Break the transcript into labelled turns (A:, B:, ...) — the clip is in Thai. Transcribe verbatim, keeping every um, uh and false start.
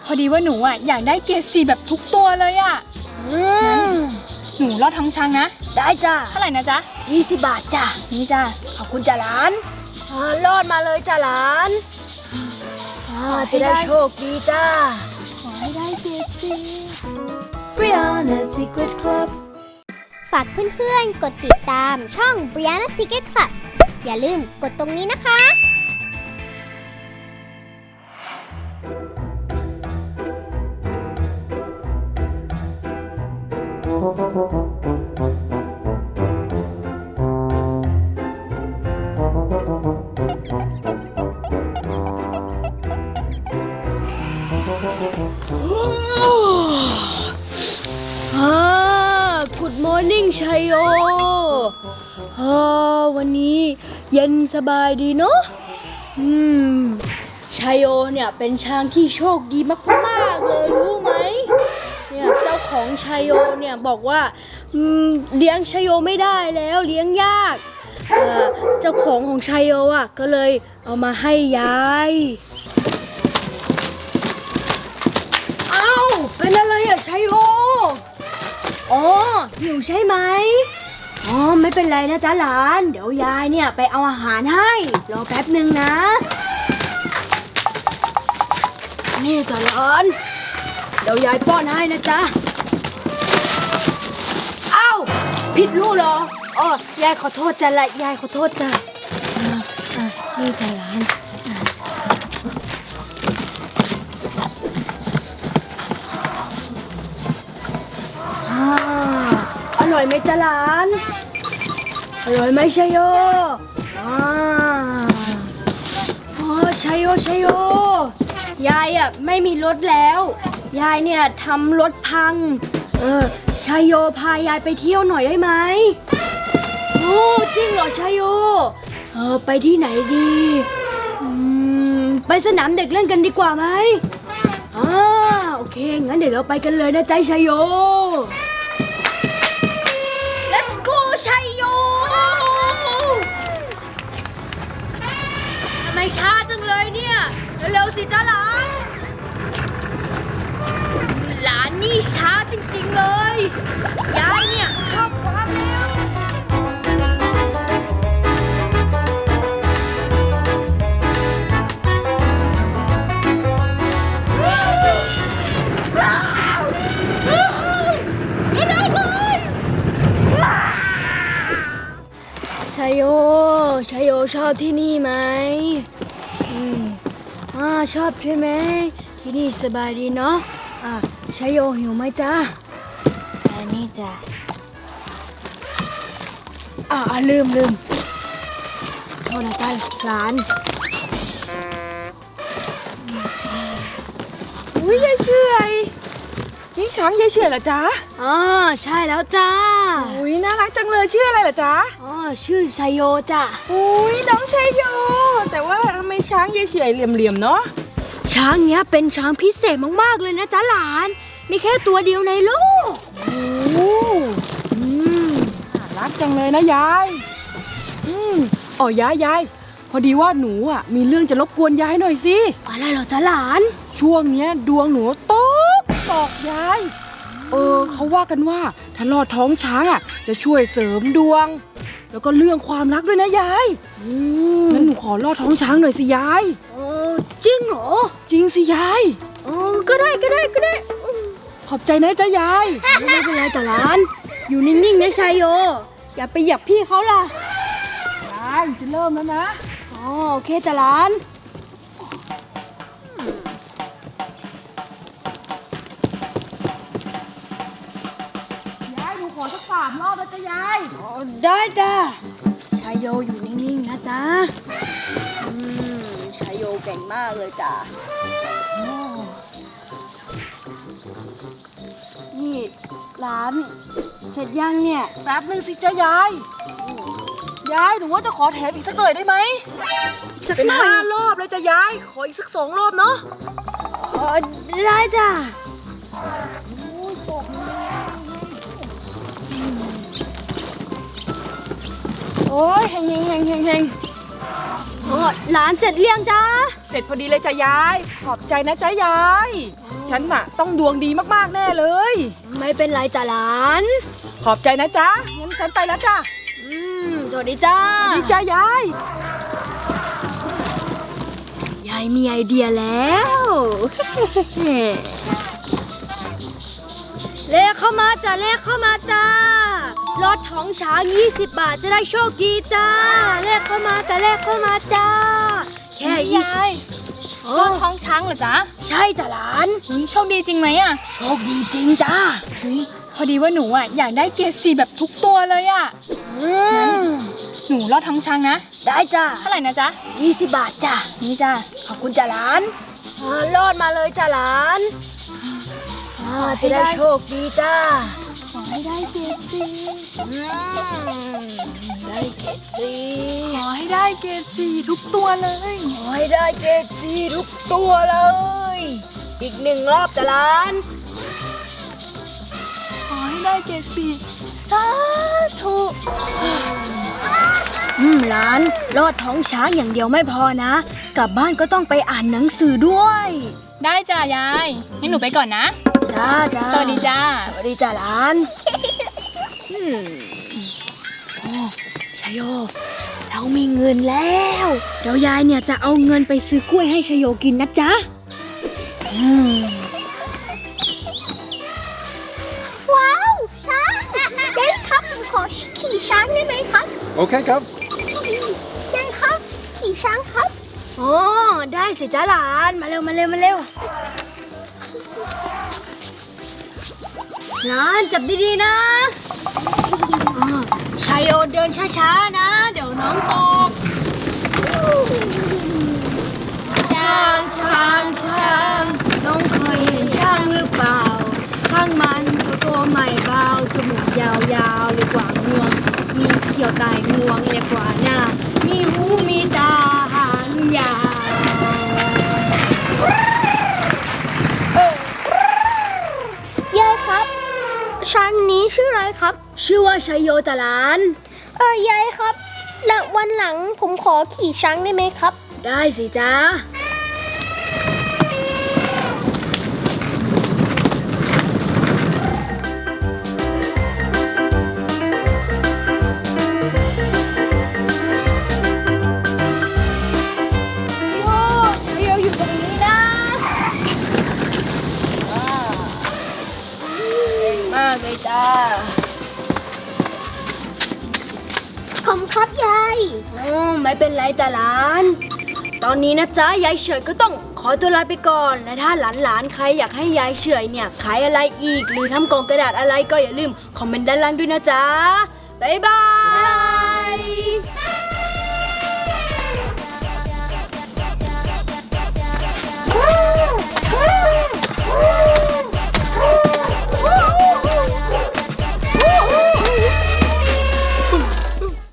A: พอดีว่าหนูอ่ะอยากได้เกรดสี่แบบทุกตัวเลยอ่ะ
B: อืม
A: หนูรอดท้องช้างนะ
B: ได้จ้ะ
A: เท่าไหร่นะจ๊ะ
B: ยี่สิบบาทจ้ะ
A: นี่จ้ะ
B: ขอบคุณจ้ะหลานรอดมาเลยจ้ะหลานจะได้โชคดีจ้า
A: ขอให้ได้เกรดสี่
C: Brianna Secret Club
D: ฝากเพื่อนๆกดติดตามช่อง Brianna Secret Club อย่าลืมกดตรงนี้นะคะ
B: ฮ่า Good morning ชัยโยฮ่าวันนี้เย็นสบายดีเนาะอืมชัยโยเนี่ยเป็นช้างที่โชคดีมากๆเลยรู้ไหมเนี่ยเจ้าของชัยโยเนี่ยบอกว่าอืมเลี้ยงชัยโยไม่ได้แล้วเลี้ยงยากเอ่อเจ้าของของชัยโยอ่ะก็เลยเอามาให้ยายอ้าวเป็นอะไรอะชัยโยอ๋อหิวใช่ไหมอ๋อไม่เป็นไรนะจ๊ะหลานเดี๋ยวยายเนี่ยไปเอาอาหารให้รอแป๊บหนึ่งนะนี่จ้ะหลานเดี๋ยวยายป้อนให้นะจ๊ะอ้าวผิดลูกเหรออ๋อยายขอโทษจ้ะละยายขอโทษจ้ะอ่าอ่านี่จ้ะหลานอ่าอร่อยไหมจ๊ะหลานอร่อยไหมชัยโยอ่าโอ้ชัยโยชัยโยยายอ่ะไม่มีรถแล้วยายเนี่ยทำรถพังเออชัยโยพายายไปเที่ยวหน่อยได้ไหมโอ้จริงเหรอชัยโยเออไปที่ไหนดีอืมไปสนามเด็กเล่นกันดีกว่าไหมอ่าโอเคงั้นเดี๋ยวเราไปกันเลยนะใจชัยโย Let's go ชัยโยทำไมช้าจังเลยเนี่ยเร็วๆสิจ้าหลานหลานนี่ช้าจริงๆเลยยายเนี่ยชอบความเร็วชัยโยชัยโยชอบที่นี่ไหมอืมอ่าชอบใช่ไหมที่นี่สบายดีเนาะอ่าชัยโยหิวไหมจ๊ะอันนี้จ้ะอ่าลืมลืมโทษนะจ๊ะหลาน
A: อุ้ยยายเฉยนี่ช้างยายเฉยเหรอจ๊ะ
B: อ๋อใช่แล้วจ้า
A: อุ้ยน่ารักจังเลยชื่ออะไรเหรอจ๊ะ
B: อ๋อชื่อชัยโยจ้ะ
A: อุ้ยน้องชัยโยแต่ว่าทำไมช้างยายเฉยเหลี่ยมๆเนาะ
B: ช้างเนี้ยเป็นช้างพิเศษมากๆเลยนะจ๊ะหลานมีแค่ตัวเดียวในโลก
A: โอ้อืมรักจังเลยนะยายอืมอ๋อยายยายพอดีว่าหนูอ่ะมีเรื่องจะรบกวนยายหน่อยสิ
B: อะไรเหรอจ๊ะหลาน
A: ช่วงเนี้ยดวงหนูตกตกยายเออเขาว่ากันว่าถ้าลอดท้องช้างอ่ะจะช่วยเสริมดวงแล้วก็เรื่องความรักด้วยนะยาย
B: อืม
A: งั้นหนูขอลอดท้องช้างหน่อยสิยาย
B: โอ้จริงเหรอ
A: จริงสิยาย
B: อ๋อก็ได้ก็ได้ก็ได้
A: ขอบใจนะจ๊ะยาย
B: ไม่เป็นไรจ้ะหลานอยู่นิ่งๆนะชัยโยอย่าไปเหยียบพี่เขาล่ะ
A: ยายจะเริ่มแล้วนะ
B: อ๋อโอเคจ้ะหลาน
A: ยายหนูขอสักสามรอบนะจ๊ะยาย
B: อ๋อได้จ้ะชัยโยอยู่นิ่งๆนะจ๊ะอืมชัยโยเก่งมากเลยจ้ะนี่ร้านเสร็จยังเนี่ย
A: แป๊บนึงสิจ๊ะยายยายหนูว่าจะขอแถมอีกสักหน่อยได้ไหมเป็นห้ารอบเลยจ้ะยายขออีกสักสองรอบเนาะ
B: อ๋อได้จ้ะ
A: โอ้ยเฮงเฮงเฮงเฮงเฮง
B: อ๋อร้านเสร็จเรียงจ้า
A: เสร็จพอดีเลยจ้ะยายขอบใจนะจ๊ะยาย
B: อ๋อ
A: ฉันน่ะต้องดวงดีมากๆแน่เลย
B: ไม่เป็นไรจ้ะหลาน
A: ขอบใจนะจ๊ะ งั้นฉันไปแล้วจ้ะ
B: อืม สวัสดีจ้า
A: ดีจ้ายาย
B: ยายมีไอเดียแล้ว เลขเข้ามาจ้ะเลขเข้ามาจ้ารถท้องช้างยี่สิบบาทจะได้โชคดีจ้าเลขเข้ามาจ้ะเลขเข้ามาจ้า แค่ยี่สิบ
E: รถท้องช้างเหรอจ๊ะ
B: ใช่จ้ะหลาน
E: อุ๊ยโชคดีจริงไหมอ่ะ
B: โชคดีจริงจ้า
E: อุ๊ยพอดีว่าหนูอ่ะอยากได้เกรดสี่แบบทุกตัวเลยอ่ะ
B: อืม
E: หนูรอดท้องช้างนะ
B: ได้จ้า
E: เท่าไหร่นะจ๊ะ
B: ยี่สิบบาทจ้า
E: นี่จ้ะ
B: ขอบคุณจ้ะหลานอ่ารอดมาเลยจ้ะหลานอ่าจะได้โชคดีจ้า
E: ขอให้ได้เกรดสี่
B: อืมได้เกรดสี่
E: ขอให้ได้เกรดสี่ทุกตัวเลย
B: ขอให้ได้เกรดสี่ทุกตัวเลย อีกหนึ่งรอบจ้ะหลาน
E: ขอให้ได้เกรดสี่สาธุ
B: อืมหลานรอดท้องช้างอย่างเดียวไม่พอนะ กลับบ้านก็ต้องไปอ่านหนังสือด้วย
E: ได้จ้ะยายงั้นหนูไปก่อนนะ
B: จ้าจ้า
E: สวัสดีจ้า
B: สวัสดีจ้าหลานอืมโอ้ชโย เรามีเงินแล้ว เดี๋ยวยายเนี่ยจะเอาเงินไปซื้อกล้วยให้ชโยกินนะจ๊ะอืม
D: ว้าว ช้างยายครับผมขอขี่ช้างได้ไหมครับ
F: Okay, come.
D: ยายครับ ขี่ช้างครับ
B: โอ้ได้สิจ้าหลานมาเร็วมาเร็วมาเร็วหลานจับดีๆนะอ่าชายโยเดินช้าๆนะ เดี๋ยวน้องตกช้างช้างช้างน้องเคยเห็นช้างหรือเปล่าข้างมันตัวโตใหม่เบาจมูกยาวๆเรียกว่างวง มีเขียวตายงวงเรียกว่าหน้า มีหูมีตาหางยาว
D: ยายครับ ช้างนี้ชื่ออะไรครับ
B: ชื่อว่าชัยโยตะหลาน
D: เออยายครับ แล้ววันหลังผมขอขี่ช้างได้ไหมครับ
B: ได้สิจ้า โยชัยโยอยู่ตรงนี้นะเก่งมากเลยจ้า
D: ผมครับยาย
B: อืมไม่เป็นไรจ้ะหลาน ตอนนี้นะจ๊ะยายเฉยก็ต้องขอตัวลาไปก่อน และถ้าหลานๆใครอยากให้ยายเฉยเนี่ยขายอะไรอีก หรือทำกล่องกระดาษอะไรก็อย่าลืมคอมเมนต์ด้านล่างด้วยนะจ๊ะ บ๊ายบาย